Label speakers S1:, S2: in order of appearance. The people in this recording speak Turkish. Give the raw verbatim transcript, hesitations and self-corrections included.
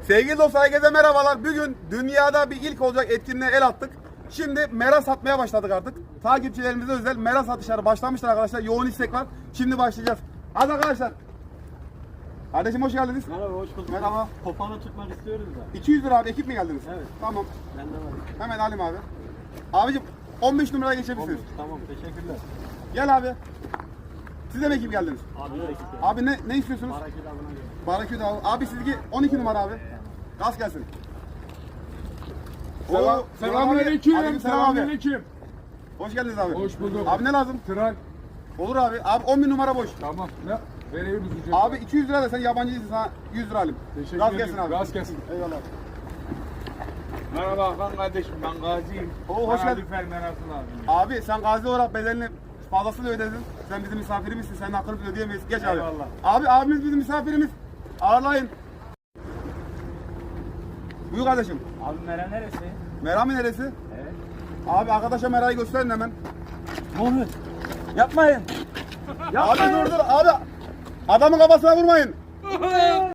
S1: Sevgili dostlar, herkese merhabalar. Bugün dünyada bir ilk olacak etkinliğe el attık. Şimdi mera satmaya başladık artık. Takipçilerimize özel mera satışları başlamışlar arkadaşlar. Yoğun istek var. Şimdi başlayacağız. Hadi arkadaşlar. Kardeşim hoş geldiniz.
S2: Merhaba, hoş bulduk.
S1: Merhaba.
S2: Kopanı tutmak istiyoruz da.
S1: iki yüz lira abi, ekip mi geldiniz?
S2: Evet.
S1: Tamam.
S2: Bende var.
S1: Hemen alayım abi. Abicim on beş numaraya geçebilirsiniz.
S2: Olmuş, tamam, teşekkürler.
S1: Gel abi. Siz de mi ekip geldiniz?
S2: Abi de ekip.
S1: Abi ne ne istiyorsunuz?
S2: Hareket avına göre.
S1: Baraküt abi. Abi sizgi on iki numara abi. Gaz gelsin.
S3: Selam,
S1: Oo,
S3: selamünaleyküm.
S1: Aleyküm selam abi.
S3: Selamünaleyküm.
S1: Hoş geldiniz abi.
S3: Hoş bulduk.
S1: Abi ne lazım?
S3: Tral.
S1: Olur abi. Abi on bin numara boş.
S3: Tamam. Ne? Vereyim ücret.
S1: Abi iki yüz lira da sen yabancıysın, sana yüz lira alayım.
S3: Teşekkür
S1: Gaz
S3: ederim.
S1: gelsin abi.
S3: Gaz gelsin.
S1: Eyvallah.
S4: Merhaba Hakan kardeşim, ben Gazi'yim.
S1: Oo, hoş
S4: Bana
S1: geldin.
S4: lütfen merasıl abi.
S1: Abi sen gazi olarak bedelini fazlasını ödedin. Sen bizim misafirimizsin. Senin hakkını biz ödeyemeyiz. Geç abi.
S4: Eyvallah.
S1: Abi abimiz bizim misafirimiz. Ağırlayın. Buyur kardeşim.
S2: Abi Mera neresi?
S1: Merami neresi?
S2: Evet.
S1: Abi arkadaşa Mera'yı gösterin hemen.
S2: Ne oluyor? Yapmayın.
S1: Abi dur dur abi. Adamın kafasına vurmayın.